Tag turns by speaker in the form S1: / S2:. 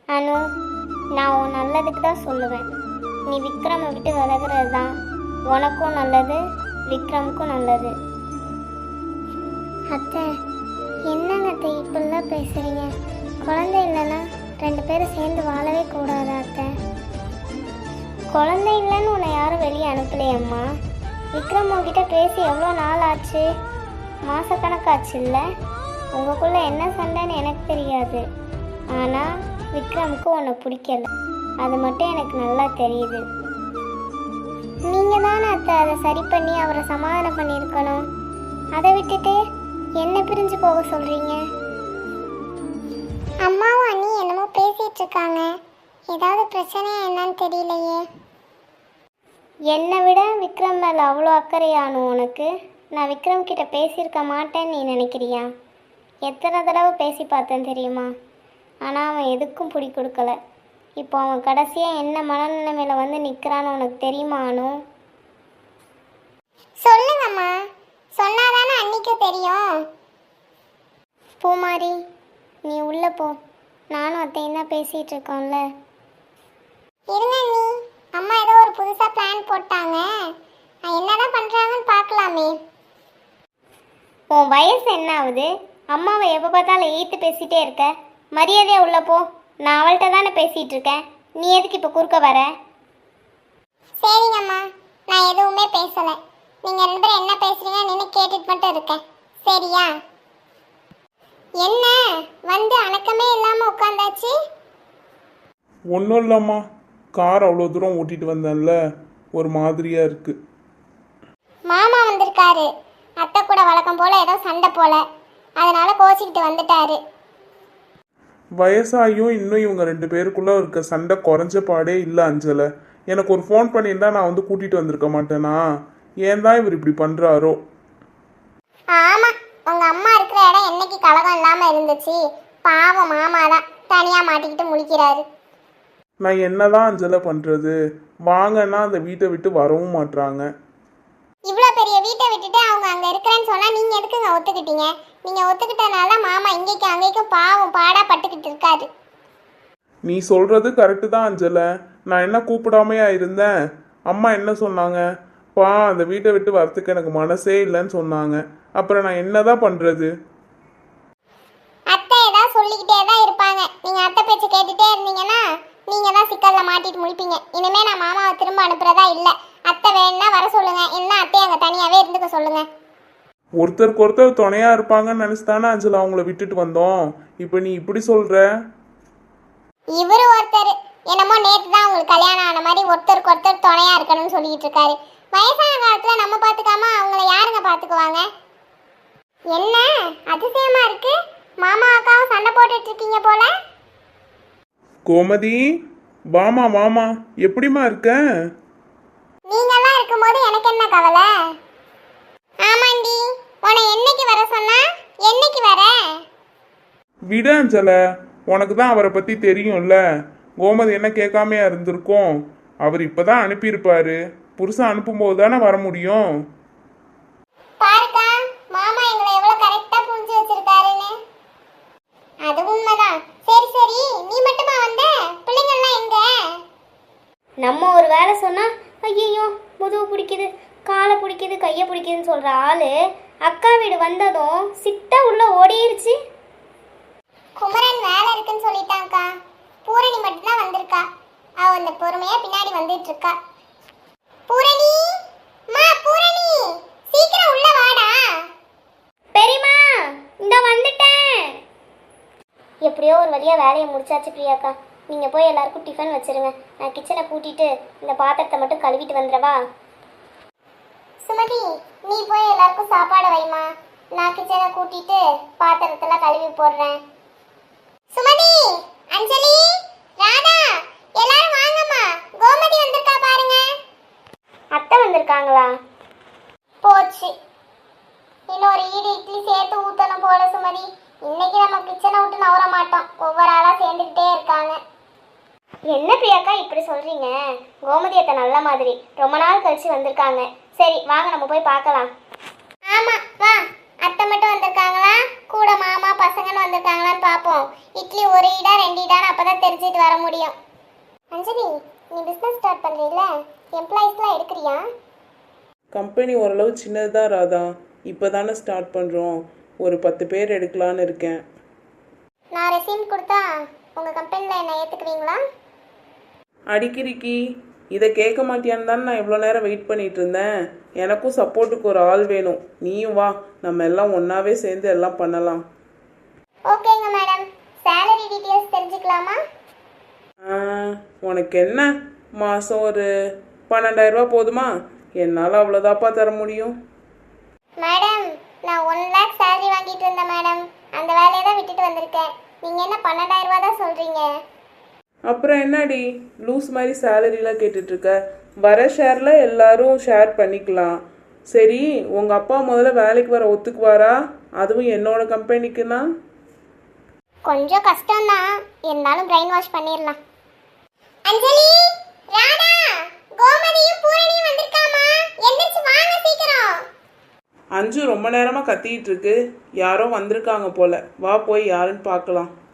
S1: அனு, நான் உன் நல்லதுக்கு தான் சொல்லுவேன். நீ விக்ரமை விட்டு விலகிறது தான் உனக்கும் நல்லது, விக்ரமுக்கும் நல்லது. அத்தை, என்னங்க அத்தை இப்படிலாம் பேசுகிறீங்க? குழந்தை இல்லைன்னா 2 பேரும் சேர்ந்து வாழவே கூடாது அத்தை. குழந்தை இல்லைன்னு உன்னை யாரும் வெளியே அனுப்பலையம்மா. விக்ரம் உங்ககிட்ட பேசி எவ்வளோ நாள் ஆச்சு? மாதக்கணக்காச்சு இல்லை? உங்களுக்குள்ளே என்ன சண்டைன்னு எனக்கு தெரியாது. ஆனால் விக்ரமுக்கு உன்னை பிடிக்கல, அது மட்டும் எனக்கு நல்லா தெரியுது. நீங்கள் தானே அத்தை அதை சரி பண்ணி அவரை சமாதானம் பண்ணியிருக்கணும். அதை விட்டுட்டு என்ன பிரிஞ்சு போக சொல்கிறீங்க? அம்மாவும் அண்ணி என்னமோ பேசிகிட்டு இருக்காங்க. ஏதாவது பிரச்சனையா என்னன்னு தெரியலையே. என்னை விட விக்ரம் மேலே அவ்வளோ அக்கறையானும் உனக்கு? நான் விக்ரம் கிட்ட பேசியிருக்க மாட்டேன்னு நீ நினைக்கிறியா? எத்தனை தடவை பேசி பார்த்தேன் தெரியுமா? ஆனால் அவன் எதுக்கும் பிடி கொடுக்கல. இப்போ அவன் கடைசியாக என்ன மனநிலைமையில் வந்து நிற்கிறான்னு உனக்கு தெரியுமா அனு? சொல்லுங்கம்மா, சொன்னாதானே அன்னைக்கு தெரியும். பூமாரி, நீ உள்ளே போ. நானும் அத்தையும் தான் பேசிகிட்டு இருக்கோம்ல. இருங்க நீ, அம்மா ஏதோ ஒரு புதுசாக பிளான் போட்டாங்க. என்னதான் பண்ணுறாங்கன்னு பார்க்கலாமே. உன் வயசு என்ன ஆகுது? அம்மாவை எப்போ பார்த்தாலும் ஈத்து பேசிகிட்டே இருக்க. மரியாதையாக உள்ளே போ. நான் அவள்கிட்ட தானே பேசிகிட்டு இருக்கேன். நீ எதுக்கு இப்போ குறுக்க வர? சரிங்கம்மா, நான் எதுவுமே பேசலை. நீங்கள் 2 பேரும் என்ன பேசுகிறீங்கன்னு நின்று கேட்டுட்டு மட்டும் இருக்கேன், சரியா? என்ன வந்து அணக்கமே இல்லாமல் உட்காந்தாச்சு?
S2: ஒன்றும் இல்லைம்மா, கார் அவ்வளோ தூரம் ஓட்டிகிட்டு வந்தேன்ல, ஒரு மாதிரியாக இருக்குது.
S1: மாமா வந்திருக்காரு. அத்தை கூட வழக்கம் போல் ஏதோ சண்டை போல, அதனால கோச்சிக்கிட்டு வந்துட்டாரு.
S2: வயசாகியும் இன்னும் இவங்க 2 பேருக்குள்ளே இருக்க சண்டை குறைஞ்ச பாடே இல்லை அஞ்சலை. எனக்கு ஒரு ஃபோன் பண்ணியிருந்தா நான் வந்து கூட்டிகிட்டு வந்திருக்க மாட்டேனா? ஏன் தான் இவர் இப்படி பண்ணுறாரோ?
S1: ஆமாம், உங்கள் அம்மா இருக்கிற இடம் என்னைக்கு கலகம் இல்லாமல் இருந்துச்சு. பாவம் மாமா தான் தனியாக மாட்டிக்கிட்டு முழிக்கிறாரு.
S2: நான் என்னதான் அஞ்சலை பண்ணுறது? வாங்கன்னா அந்த வீட்டை விட்டு வரவும் மாட்றாங்க.
S1: இவ்வளோ பெரிய வீட்டை விட்டுட்டு அவங்க அங்கே இருக்கிறேன்னு சொன்னால் நீங்கள் எதுக்குங்க ஒத்துக்கிட்டீங்க? நீங்கள் ஒத்துக்கிட்டனால மாமா இங்கேக்கும் அங்கேக்கும் பாவம் பாடாக பட்டுக்கிட்டு இருக்காரு.
S2: நீ சொல்கிறது கரெக்டு தான் அஞ்சலை. நான் என்ன கூப்பிடாமையா இருந்தேன்? அம்மா என்ன சொன்னாங்க? அந்த வீட்டை விட்டு வரத்துக்கு எனக்கு மனசே இல்லைன்னு சொன்னாங்க. அப்புறம் நான் என்னதான் பண்ணுறது?
S1: அத்தை ஏதாவது சொல்லிக்கிட்டே தான் இருப்பாங்க. நீங்கள் அத்தை பேச்சு கேட்டுகிட்டே இருந்தீங்கன்னா நீங்கள் தான் சிக்கலில் மாட்டிட்டு முழிப்பீங்க. இனிமேல் நான் மாமாவை திரும்ப அனுப்புகிறதா இல்லை. அத்தை வேணுன்னா வர சொல்லுங்கள், என்ன அத்தையை அங்கே தனியாகவே இருந்துக்க சொல்லுங்கள்.
S2: ஒருத்தருக்கு ஒருத்தர் துணையாக இருப்பாங்கன்னு நினச்சி தானே அஞ்சலா அவங்கள விட்டுட்டு வந்தோம். இப்போ நீ இப்படி சொல்கிற?
S1: இவர் ஒருத்தர் என்னமோ நேற்று தான் உங்களுக்கு கல்யாணம் ஆன மாதிரி ஒருத்தருக்கு ஒருத்தர் துணையாக இருக்கணும்னு சொல்லிக்கிட்டு இருக்காரு. வயசான காலத்தில் நம்ம பார்த்துக்காம அவங்கள யாருங்க பார்த்துக்குவாங்க? என்ன அதிசயமாக இருக்கு, மாமா அக்காவும் சண்டை போட்டுட்டு இருக்கீங்க போல.
S2: கோமதி, வாமா வாமா, எப்படிமா இருக்க?
S1: நீங்கெல்லாம் இருக்கும்போது எனக்கு என்ன கவலை? ஆமாண்டி, உன்னை என்னைக்கு வர சொன்னா என்னைக்கு வர?
S2: விட அஞ்சல, உனக்கு தான் அவரை பற்றி தெரியும்ல. கோமதி என்ன கேட்காமையா இருந்திருக்கோம்? அவர் இப்போதான் அனுப்பியிருப்பாரு. புருஷன் அனுப்பும்போது தானே வர முடியும்.
S1: பாருக்கா, மாமா எங்களை எவ்வளவு கரெக்டா புரிஞ்சு வச்சிருக்காருன்னு. அது உண்மைதான். சரி சரி, நீ மட்டுமா வந்த? பிள்ளைங்கள்லாம் எங்க? நம்ம ஒரு வேலை சொன்னா ஐயோ முதுகு பிடிக்குது, காலை பிடிக்குது, கையை பிடிக்குதுன்னு சொல்ற ஆளு அக்கா வீடு வந்ததும் சிட்டா உள்ள ஓடிருச்சு. குமரன் வேலை இருக்குன்னு சொல்லிட்டாங்கக்கா. பூரணி மட்டும்தான் வந்திருக்கா. அவ அந்த பொறுமையா பின்னாடி வந்துட்டு இருக்கா. பூரணி, பூரணி, சீக்கிரம் உள்ள வாடா. பெரியம்மா, இந்த வந்துட்டேன். எப்படியோ ஒரு வழியா வேலையை முடிச்சாச்சு பிரியாக்கா. நீங்க போய் எல்லாருக்கும் டிஃபன் வச்சிருங்க. நான் கிச்சனை கூட்டிட்டு இந்த பாத்திரத்தை மட்டும் கழுவிட்டு வந்துடவா? சுமதி, நீ போய் எல்லாருக்கும் சாப்பாடு வைமா. நான் கிச்சனை கூட்டிட்டு பாத்திரத்தெல்லாம் கழுவி போடுறேன். சுமதி, அஞ்சலி, ராதா, எல்லாரும் வாங்கம்மா. கோமதி வந்திருக்கா பாருங்க. அத்தை வந்திருக்காங்களா? போச்சு, இன்னொரு ஈடு இட்லி சேர்த்து ஊத்தணும் போல. சுமதி, இன்னைக்கு நம்ம கிச்சனை விட்டு நவர மாட்டோம். ஒவ்வொரு ஆளா சேர்ந்துக்கிட்டே இருக்காங்க. என்ன பிரியாக்கா இப்படி சொல்றீங்க? கோமதி அத்தை நல்ல மாதிரி ரொம்ப நாள் கழிச்சு வந்திருக்காங்க. சரி வாங்க நம்ம போய் பார்க்கலாம். ஆமா வா. அத்தை மட்டும் வந்திருக்காங்களா கூட மாமா பசங்கன்னு வந்திருக்காங்களான்னு பார்ப்போம். இட்லி ஒரு இடா 2 இடான்னு அப்பதான் தெரிஞ்சுட்டு வர முடியும். அஞ்சலி, நீ பிசினஸ் ஸ்டார்ட் பண்றீல்ல, எம்ப்ளாயிஸ்லாம் எடுக்கிறியா?
S3: கம்பெனி ஓரளவு சின்னது தான் ராதா. இப்போ தானே ஸ்டார்ட் பண்ணுறோம். ஒரு 10 பேர் எடுக்கலான்னு இருக்கேன்.
S1: நான் ரெசியூம் கொடுத்தா உங்க கம்பெனில என்ன ஏத்துக்குவீங்களா?
S3: அடிக்கிறிக்கி இதை கேட்க மாட்டியான்னு தானே நான் இவ்வளோ நேரம் வெயிட் பண்ணிட்டு இருந்தேன். எனக்கும் சப்போர்ட்டுக்கு ஒரு ஆள் வேணும். நீயும் வா, நம்ம எல்லாம் ஒன்றாவே சேர்ந்து எல்லாம் பண்ணலாம்.
S1: ஓகேங்க மேடம். சேலரி டீடைல்ஸ் தெரிஞ்சுக்கலாமா?
S3: உனக்கு என்ன, மாதம் ஒரு 12,000 ரூபா போதுமா? என்னால் அவ்வளோதாப்பா தர முடியும்.
S1: மேடம், நான் 1 லேக் சேலரி வாங்கிட்டு இருந்தேன் மேடம். அந்த வேலையை தான் விட்டுட்டு வந்திருக்கேன். நீங்க என்ன 12,000 ரூபா தான் சொல்றீங்க?
S3: அப்புறம் என்னடி லூஸ் மாதிரி சேலரிலாம் கேட்டுட்ருக்க? வர ஷேரில் எல்லாரும் ஷேர் பண்ணிக்கலாம். சரி, உங்கள் அப்பா முதல்ல வேலைக்கு வர ஒத்துக்குவாரா? அதுவும் என்னோட கம்பெனிக்குன்னா?
S1: கொஞ்சம் கஷ்டம்தான், இருந்தாலும் பிரெயின் வாஷ் பண்ணிடலாம். அஞ்சலி, ராதா, கோமதியும் பூரணியும் வந்திருக்காமா? எந்திரச்சு வாங்க சீக்கிரம்.
S3: அஞ்சு ரொம்ப நேரமாக கத்திக்கிட்டு இருக்கு. யாரோ வந்திருக்காங்க போல. வா போய் யாருன்னு பார்க்கலாம்.